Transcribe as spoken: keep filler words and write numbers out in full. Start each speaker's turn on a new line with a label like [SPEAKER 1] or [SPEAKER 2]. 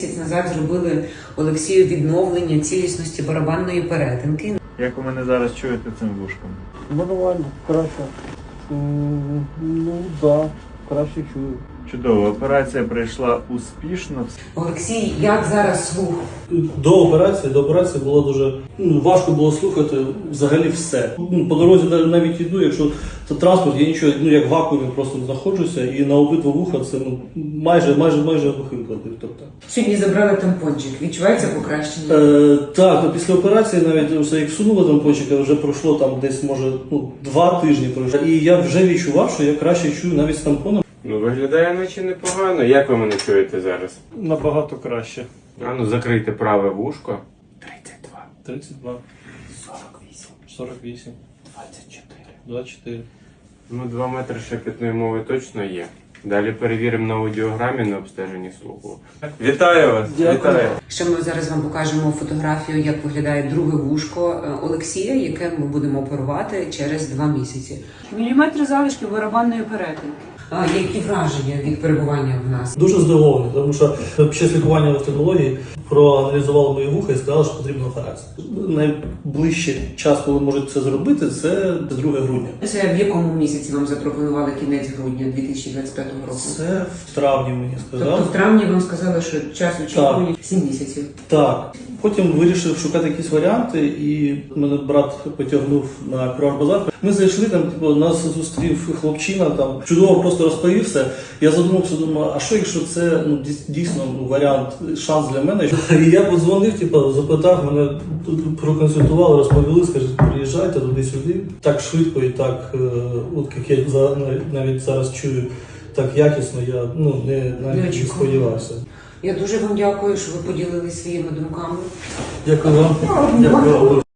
[SPEAKER 1] Місяць назад зробили Олексію відновлення цілісності барабанної перетинки.
[SPEAKER 2] Як ви мене зараз чуєте цим вушком?
[SPEAKER 3] Нормально, краще. М, Ну так, да, краще чую.
[SPEAKER 2] Чудово, операція пройшла успішно.
[SPEAKER 1] Олексій, як зараз слух?
[SPEAKER 3] До операції, до операції було дуже ну, важко було слухати взагалі все. Ну, по дорозі навіть йду, якщо це транспорт, я нічого, ну як в вакуумі просто знаходжуся, і на обидва вуха це ну майже майже майже глухий ходив. Тобто.
[SPEAKER 1] Сьогодні забрали тампончик. Відчувається покращення?
[SPEAKER 3] Е, так, ну, після операції навіть все як сунули тампончика, вже пройшло там десь може ну, два тижні пройшло. І я вже відчував, що я краще чую навіть з тампоном.
[SPEAKER 4] Ну, виглядає наче непогано. Як ви мене чуєте зараз?
[SPEAKER 3] Набагато краще.
[SPEAKER 4] А ну закрийте праве вушко. тридцять два.
[SPEAKER 3] тридцять два.
[SPEAKER 4] сорок вісім.
[SPEAKER 3] сорок вісім.
[SPEAKER 4] двадцять чотири.
[SPEAKER 3] двадцять чотири.
[SPEAKER 4] Ну, два метри шепітної мови точно є. Далі перевіримо на аудіограмі на обстеженні слуху. Вітаю вас!
[SPEAKER 3] Дякую.
[SPEAKER 4] Вітаю!
[SPEAKER 1] Ще ми зараз вам покажемо фотографію, як виглядає друге вушко е, Олексія, яке ми будемо оперувати через два місяці. Міліметри залишки барабанної перетинки. А які враження від перебування в нас?
[SPEAKER 3] Дуже здивований, тому що під час лікування в офтальмології проаналізували мої вуха і сказали, що потрібна операція. Найближчий час, коли можуть це зробити, це друге грудня.
[SPEAKER 1] Це в якому місяці вам запропонували кінець грудня дві тисячі двадцять п'ятого року?
[SPEAKER 3] Це в травні мені сказали.
[SPEAKER 1] Тобто в травні вам сказали, що час очікування сім місяців.
[SPEAKER 3] Так. Потім вирішив шукати якісь варіанти, і мене брат потягнув на курорт-базар. Ми зайшли, там типу, нас зустрів хлопчина, там чудово просто розповів все. Я задумався, думаю, а що якщо це ну, дійсно ну, варіант, шанс для мене? І я подзвонив, типу, запитав, мене проконсультували, розповіли, скажуть, приїжджайте туди-сюди. Так швидко і так, от як я за, навіть зараз чую, так якісно, я ну, не, навіть не сподівався.
[SPEAKER 1] Я дуже вам дякую, що ви поділилися своїми думками.
[SPEAKER 3] Дякую вам. Дякую вам.